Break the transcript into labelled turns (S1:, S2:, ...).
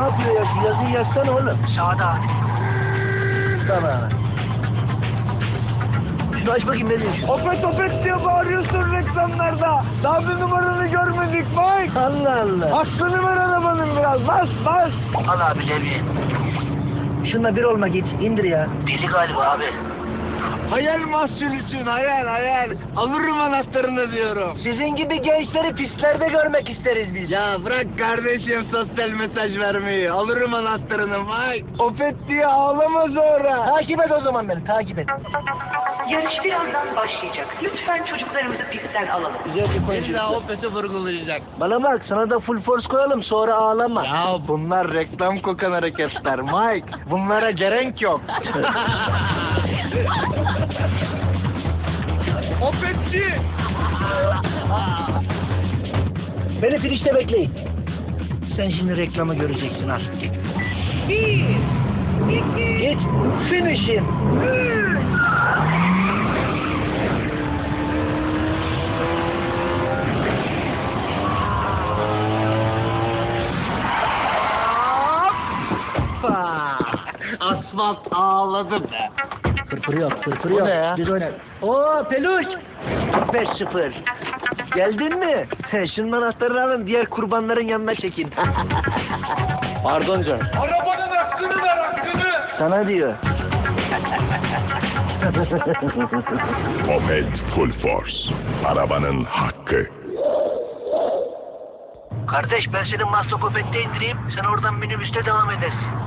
S1: yapıyor ya? Şu yazıyı yazsana oğlum.
S2: Sağda.
S1: Tamam. Şunu aç bakayım ne diyorsun?
S3: Opet opet diye bağırıyorsun reklamlarda. Daha bir numaranı görmedik Mike.
S1: Allah Allah.
S3: Aklını ver arabanın biraz. Bas bas.
S2: Al abi Levi.
S1: Şunla bir olma git. İndir ya.
S2: Deli galiba abi.
S3: Hayal mahsulüsün hayal. Alırım anahtarını diyorum.
S1: Sizin gibi gençleri pistlerde görmek isteriz biz.
S3: Ya bırak kardeşim sosyal mesaj vermeyi. Alırım anahtarını Mike. Opet diye ağlama sonra.
S1: Takip et o zaman beni. Takip et.
S4: Yarış birazdan başlayacak. Lütfen çocuklarımızı pistten alalım.
S1: Güzel bir koyun
S3: İlla
S1: çocuklar.
S3: Opet'i vurgulayacak.
S1: Bana bak sana da full force koyalım sonra ağlama.
S3: Ya bunlar reklam kokan hareketler Mike. Bunlara gerek yok. Opetçi!
S1: Beni finişte bekleyin. Sen şimdi reklamı göreceksin al. Git. Finish'im.
S3: Asfalt ağladı be.
S1: Fırfır yok, fırfır
S3: Bu
S1: yok.
S3: ne ya?
S1: Biz oynar. Oo peluş. 5-0. Geldin mi? Şunun anahtarını alın, diğer kurbanların yanına çekin.
S3: Pardon canım. Arabanın hakkını ver hakkını.
S1: Sana diyor.
S5: Opet Full Force. Arabanın hakkı.
S1: Kardeş ben seni Maslak Opet'te indireyim, sen oradan minibüste devam edersin.